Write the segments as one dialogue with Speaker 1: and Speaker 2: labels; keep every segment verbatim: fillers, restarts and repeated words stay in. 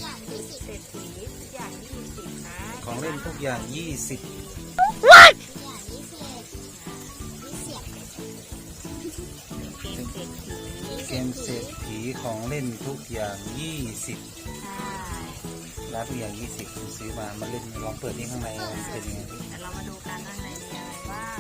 Speaker 1: อย่างยี่สิบเศรษฐีทุกอย่างยี่สิบนะ
Speaker 2: ของเล่นทุกอย่างยี่สิบ
Speaker 1: อย่างยี่สิบยี่สิบ
Speaker 2: เกมเศรษฐีของเล่นทุกอย่างยี่สิบร้านทุกอย่างยี่สิบคุณซื้อมามาเล่นลองเปิดนี่ข้างในมันเป็นยังไง
Speaker 1: แต่เรามาดูกันข้างในมีอะไรบ้าง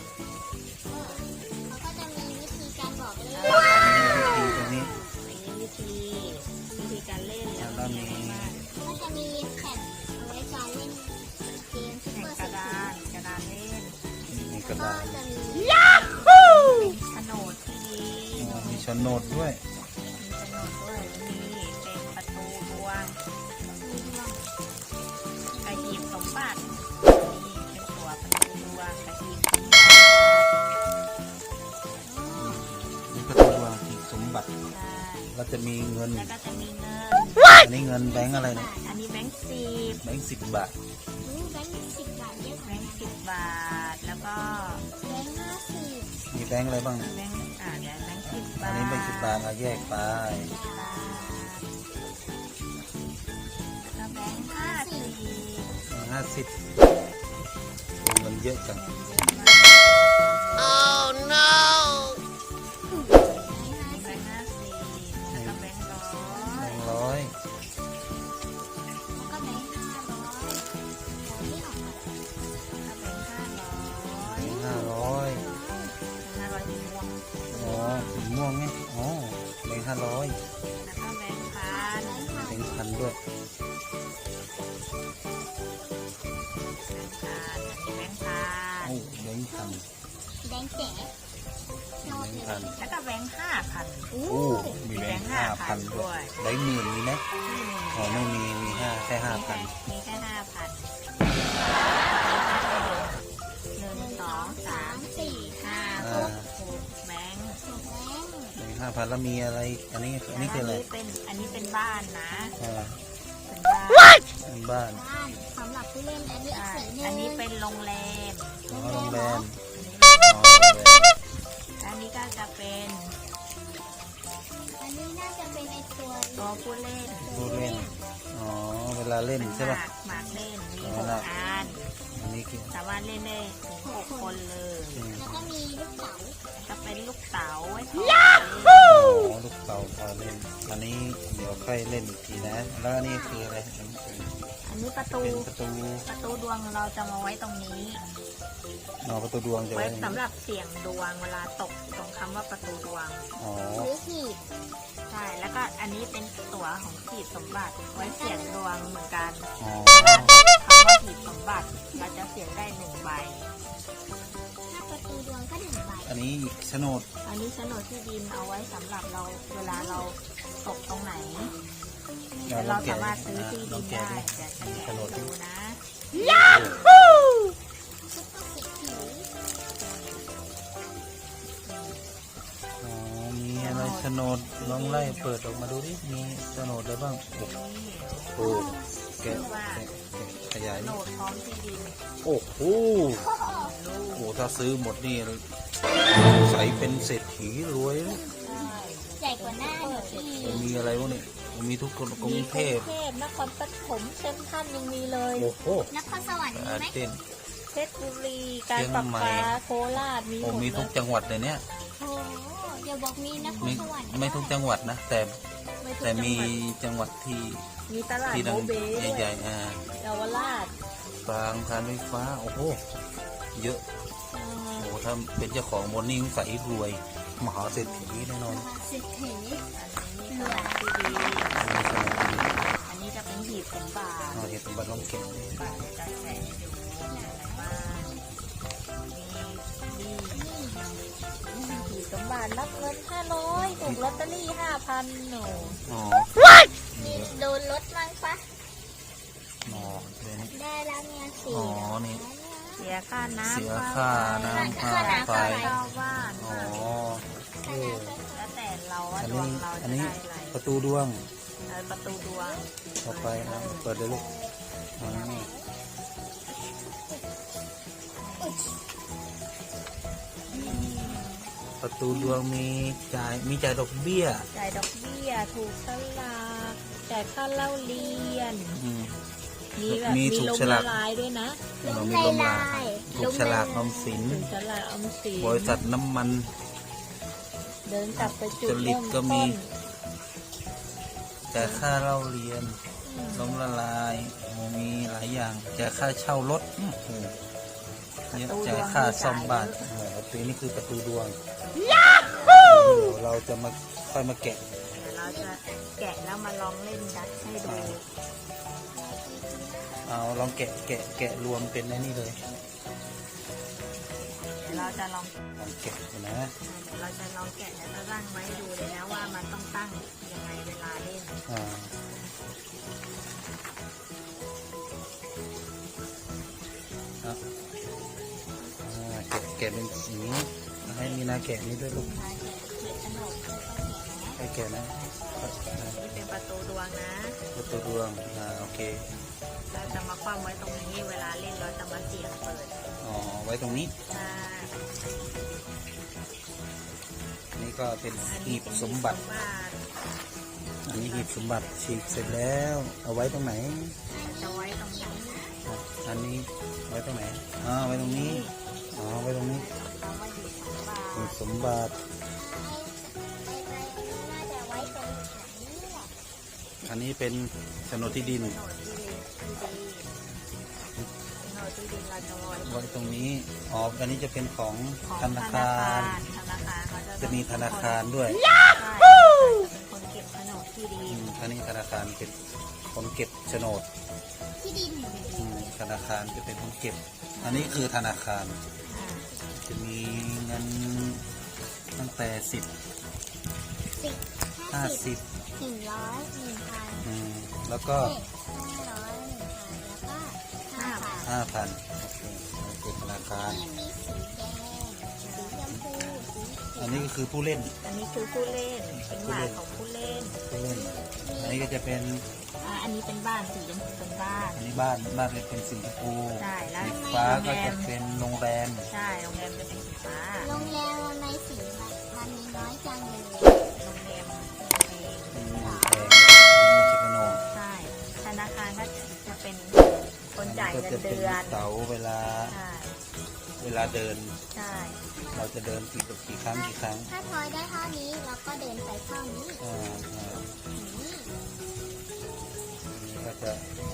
Speaker 1: เขาก็จะมีวิธีการบอกเลย
Speaker 2: วิธีตรงนี้
Speaker 1: มีวิธีวิธีการเล่นแล้วก็มีก็จะมีแผ่นเอาไว้การเล่นเกมซุปเปอร์กระดานกระดานเล่น
Speaker 2: มีกระดาษ
Speaker 1: ยาฮูโฉนดที่ดี
Speaker 2: มีโฉนดด้วย
Speaker 1: มีโฉนดด้วยมีเป็นประตูดวงกระหีบสมบัตินี่เป็นตัวประตูดวงกระหีบสมบัติ
Speaker 2: นี่ประตูดวงหีบสมบัติก็จะมีเงิน
Speaker 1: แล้วก็จะมีเงิน
Speaker 2: อันนี้เงินแบงค์อะไรเนี่ย
Speaker 1: อันนี้แบงค์สิบ
Speaker 2: แบงค์สิบบาท
Speaker 1: แบงค์สิบบาทเยอะแบงค์สิบบาทแล้วก็แบงค์ห้าสิบ
Speaker 2: มีแบงค์อะไรบ้าง
Speaker 1: แบงค์อ่าเดี๋ยวแบงค์สิบบาท
Speaker 2: อันนี้แบงค์สิบบาทเราแยกไป
Speaker 1: แล้วแบงค์ห้าสิบ
Speaker 2: ห้าสิบเงินเยอะจัง
Speaker 1: Oh no แบงค์ห้าสิบแล้วก็แบงค์ร้อย
Speaker 2: แบงค์ร้อย
Speaker 1: แล้วก็แบงค์ห้าร้อยที่ออกมาแล้วก็แบงค์ห้าร้อย
Speaker 2: แบงค์ห้าร้อย
Speaker 1: ห้าร้อยสีม่วง
Speaker 2: อ๋อสีม่วงไงอ๋อแบงค์ห้าร้อย
Speaker 1: แล้วก็แบงค์พัน
Speaker 2: แบงค์พันด้วย
Speaker 1: แบงค์พันแบงค์แจ๋
Speaker 2: แบงค์พัน
Speaker 1: แล้วก็แบงค์ห้าพัน
Speaker 2: โอ้มีแบงค์ห้าพันด้วยแบงค์หมื่นมีไหมอ๋อไม่มีมีห้าแค่ห้าพัน
Speaker 1: มีแค่ห้าพันหนึ่งสองสามสี่ห้าหกแบงค์
Speaker 2: แบงค์ห้าพันแล้วมีอะไรอันนี้อันนี้คืออะไร
Speaker 1: เป็นอันนี้เป็นบ้านนะ
Speaker 2: เป็นบ้านเป็นบ้าน
Speaker 1: สำหรับผู้เล่นอันนี้อันนี้เป็นโรงแรม
Speaker 2: โรงแรม
Speaker 1: อันนี้ก็จะเป็นอันนี้น่าจะเป็นไอตัวตัวผู้เล่น
Speaker 2: ผู้เล่นอ๋อเวลาเล่นใช่ป่ะ
Speaker 1: หมากเล่นมีหกอัน
Speaker 2: อันนี้คือ
Speaker 1: สามารถเล่นได้ถึงหกคนเลยแล้วก็มีลูกเต๋าจะเป็นลูกเต๋าไว้ยา
Speaker 2: ฮูลูกเต๋าพอเล่นอันนี้เดี๋ยวค่อยเล่นอีกทีนะแล้วอันนี้คืออะไร
Speaker 1: อันนี้ประตู
Speaker 2: ประตู
Speaker 1: ประตูดวงเราจะมาไว้ตรงนี้
Speaker 2: อ๋อประตูดวงจะ
Speaker 1: ไว้สำหรับเสี่ยงดวงเวลาตกตรงคำว่าประตูดวง
Speaker 2: อ๋อ
Speaker 1: หรือหีบใช่แล้วก็อันนี้เป็นตั๋วของหีบสมบัติไว้เสี่ยงดวงเหมือนกัน
Speaker 2: อ๋อ
Speaker 1: คำว่าหีบสมบัติเราจะเสี่ยงได้หนึ่งใบถ้าประตูดวงก็หนึ่งใบ
Speaker 2: อันนี้โฉนด
Speaker 1: อันนี้โฉนดที่ดินเอาไว้สำหรับเราเวลาเราตกตรงไหนเราสามารถซื้อที่ดินได้จะแกะดูนะยาฮู
Speaker 2: อ๋อมีอะไรโฉนดลองไล่เปิดออกมาดูดิมีโฉนดอะไรบ้างโอ้แกะขยาย
Speaker 1: โฉนดพร้อมที่ดิน
Speaker 2: โอ้โหโอ้ถ้าซื้อหมดนี่ใส่เป็นเศรษฐีรวย
Speaker 1: ใหญ่กว่าหน้า
Speaker 2: เนี่ยมีอะไรวะเนี่ยมีทุกคนกรุงเทพ
Speaker 1: นครปฐมเซ็นทรัลยังมีเลย
Speaker 2: โอ้โห
Speaker 1: นครสวรรค์มีไหมเพชรบุรีกาญจนบุรีโคราชมีหมด
Speaker 2: มีทุกจังหวัดเลยเนี่ย
Speaker 1: โอ้เดี๋ยวบอกมีนครสวรรค์
Speaker 2: ไม่ทุกจังหวัดนะแต่แต่มีจังหวัดที่
Speaker 1: มีตลาดโบเบ้
Speaker 2: ใหญ่ๆอ่า
Speaker 1: เยาวราช
Speaker 2: บางการไฟฟ้าโอ้โหเยอะโอ้ถ้าเป็นเจ้าของบนนี้ใส่รวยมหาเศรษฐีแน่นอน
Speaker 1: เศรษฐีสวัสดีอันนี้จะเป็นหีบสมบัติ
Speaker 2: หีบสมบัติลองเก็บ
Speaker 1: บัตรจะแจกให้ดูอะไรบ้างมีหีบสมบัติรับเงินห้าร้อยถูกลอตเตอรี่ห้าพันหนู
Speaker 2: อ๋อ
Speaker 1: มีโดนลดมั้งปะ
Speaker 2: อ๋อ
Speaker 1: ได้แล้วเนี่ยสี่
Speaker 2: อ๋อนี่
Speaker 1: เสียค่าน้ำ
Speaker 2: เสียค่าน้ำค่าไฟ
Speaker 1: อ๋อแล้วแต่เราว่าดวงเราจะได้อะไร
Speaker 2: ประตูดวง
Speaker 1: ประตูดวง
Speaker 2: ต่อไปเปิดเลยลูกประตูดวงมีจ่ายมีจ่ายดอกเบี้ย
Speaker 1: จ่ายดอกเบี้ยถูกสลากจ่ายค่าเล่าเรียน
Speaker 2: อืม
Speaker 1: มีแบบ
Speaker 2: มี
Speaker 1: มี
Speaker 2: ถูก
Speaker 1: ลม
Speaker 2: ฉลา
Speaker 1: ละ
Speaker 2: ก
Speaker 1: ลายด้วยนะ
Speaker 2: เรามีลมลายถูกฉลากออมสิน
Speaker 1: ถึงจะลายออมสิน
Speaker 2: บริษัทน้ำมัน
Speaker 1: เดินกลับไปจุด
Speaker 2: จริ
Speaker 1: เริ่
Speaker 2: ต
Speaker 1: ม
Speaker 2: ก็มี
Speaker 1: ต้น
Speaker 2: จ่ายค่าเล่าเรียน
Speaker 1: อืม
Speaker 2: ล้มละลายมีหลายอย่างจ่ายค่าเช่ารถโอ้โหเนี่ยจ่ายค่าซ่อมบ้านโอ้โหปีนี้คือประตูดวงเดี๋ยวเราจะมาค่อยมาแกะ
Speaker 1: เดี๋ยวเราจะแกะแล้วมาลองเล่นดัดให้ดู
Speaker 2: เอาลองแกะแกะแกะรวมเป็นไอ้นี่เลย
Speaker 1: เดี๋ยวเราจะลอง
Speaker 2: ลองแกะดูนะ
Speaker 1: เดี๋ยวเราจะลองแกะแล้วจะตั้งไว้ดูเลยนะว่ามันต้องตั้งยังไงเวลาเล่น
Speaker 2: อ่าอ่ะอ่าแกะแกะเป็นสีให้มีนาแกะนี้ด้วยลูก
Speaker 1: ใช่เด็กขนมค่อยๆแกะนะ
Speaker 2: ให้แกะนะอ่า
Speaker 1: นี่เป็นประตูดวงนะ
Speaker 2: ประตูดวงอ่าโอเค
Speaker 1: เราจะมาคว่ำไว้ตรงนี้เวลาเล่นเราจะมาเสี่ยงเปิด
Speaker 2: อ๋อไว้ตรงนี้
Speaker 1: ใช่
Speaker 2: อันนี้ก็เป็น
Speaker 1: อัน
Speaker 2: หี
Speaker 1: นี้
Speaker 2: บ
Speaker 1: เป็น
Speaker 2: สมบัติ
Speaker 1: หีบสมบัติ
Speaker 2: อันนี้หีบสมบัติฉีกเสร็จแล้ว เอาไว้ตรงไหน
Speaker 1: จะไว้ตรงนี้
Speaker 2: อ่ะอันนี้ไว้ตรงไหนอ๋อไว้ตรงนี้อ๋อไว้ตรงนี้
Speaker 1: เราไว้หีบสมบัติ
Speaker 2: หีบสมบัติ
Speaker 1: น่าจะไว้ตรงนี้แหละ
Speaker 2: อันนี้เป็นโฉนดที่ดิน
Speaker 1: โหนดที่ดีที่ดีโหนดที่ดินเราจะไว้
Speaker 2: ไว้ตรงนี้อ๋ออันนี้จะเป็นของ
Speaker 1: ของ
Speaker 2: ธนาคาร
Speaker 1: ธนาคารเขาจะ
Speaker 2: จะมีธนาคารด้วย
Speaker 1: ใช่เป็นคนเก็บโฉนดที่ดิ
Speaker 2: อื
Speaker 1: น
Speaker 2: มอันนี้ธนาคารเป็นคนเก็บโฉนด
Speaker 1: ที่ดิน
Speaker 2: อืมธนาคารจะเป็นคนเก็บ อันนี้คือธนาคาร
Speaker 1: อ่า
Speaker 2: จะมีเงินตั้งแต่สิบ
Speaker 3: สิบ
Speaker 2: ห้าสิบ
Speaker 3: หนึ่งร้อยหนึ่งพัน
Speaker 2: อืมแล้วก็
Speaker 3: ห้าร้อยหนึ่งพันแล้วก็ห้าพัน
Speaker 2: ห้าพันโอเคโอเคธนาคาร
Speaker 3: ที่มีสีแดงสีชมพูสี
Speaker 2: อันนี้ก็คือผู้เล่น
Speaker 1: อันนี้คือผู้เล่นเป็นหมายของผู้เล่น
Speaker 2: ผู้เล่น อันนี้ก็จะเป็น
Speaker 1: อ่าอันนี้เป็นบ้านสีชมพูเป็นบ้าน
Speaker 2: อันนี้บ้านบ้านจะเป็นสีชมพู
Speaker 1: ใช่แล้ว
Speaker 2: สีฟ้า
Speaker 1: โรง
Speaker 2: ก็
Speaker 1: แร
Speaker 2: จะ
Speaker 1: ม
Speaker 2: เป็นโรงแรม
Speaker 1: ใช่โรงแรมจะเป็นสีฟ้า
Speaker 3: โรงแรมทำไมสีมันมันมีน้อยจังเลย
Speaker 1: โรงแรมเอง
Speaker 2: อืมแพงมีชิคโน
Speaker 1: ใช่ธนาคารก็จะเป็นคนจ่าย
Speaker 2: ก็
Speaker 1: เงิน
Speaker 2: จะเป็น
Speaker 1: เดือน
Speaker 2: เสาเวลา
Speaker 1: ใช่
Speaker 2: เวลาเดิน
Speaker 1: ใช่
Speaker 2: เราจะเดินกี่กี่ครั้งกี่ครั้ง
Speaker 3: ถ้าทอยได้เท่านี้เราก็เดินไปเท่านี้
Speaker 2: อ่าอ่า
Speaker 3: นี่
Speaker 2: นี่ก็จะ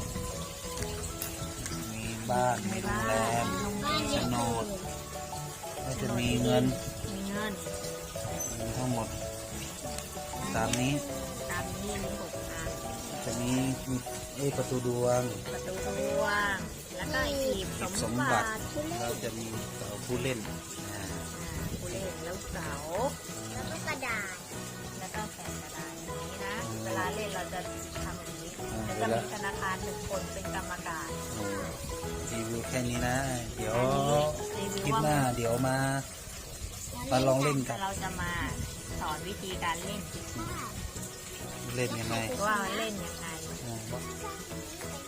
Speaker 2: มีบ้านมีโรงแรม
Speaker 1: โรงแร
Speaker 3: บ้าน
Speaker 1: ม
Speaker 3: เยอะ
Speaker 2: โฉน
Speaker 3: เล
Speaker 2: ด
Speaker 3: ย
Speaker 2: ก็จะมีเงิน
Speaker 1: มีเงิน
Speaker 2: มีทั้งหมดตามนี้
Speaker 1: ตามนี้มีหกอัน
Speaker 2: จะมีมีเอ้ยประตูดวง
Speaker 1: ประตูดวงแล้วก็หีบ
Speaker 2: หีบ
Speaker 1: ส
Speaker 2: ส
Speaker 1: ม
Speaker 2: มบั
Speaker 1: บั
Speaker 2: ติ
Speaker 1: ติ
Speaker 2: เราจะมีเสาผู้เล่นอ่า
Speaker 1: อ่าผู้เล่นแล้วเสา
Speaker 3: แล้วก็กระดาษ
Speaker 1: แล้วก็แผ่นกระดาษอย่างนี้นะ เวลาเล่นเราจะทำอย่างนี้
Speaker 2: อ่า
Speaker 1: แล้ว
Speaker 2: เว
Speaker 1: จะ
Speaker 2: ลา
Speaker 1: มีธนาคารหนึ่งคนเป็นกรรมการ
Speaker 2: โอ้รีวิวแค่นี้นะ เดี๋ยว
Speaker 1: รีวิว
Speaker 2: คลิป
Speaker 1: ว่า
Speaker 2: หน้าเดี๋ยวมา มาลองเล่นกัน
Speaker 1: เราจะมาสอนวิธีการเล่น
Speaker 2: เล่นยังไง
Speaker 1: ว่าเล่นยังไง
Speaker 2: อ่า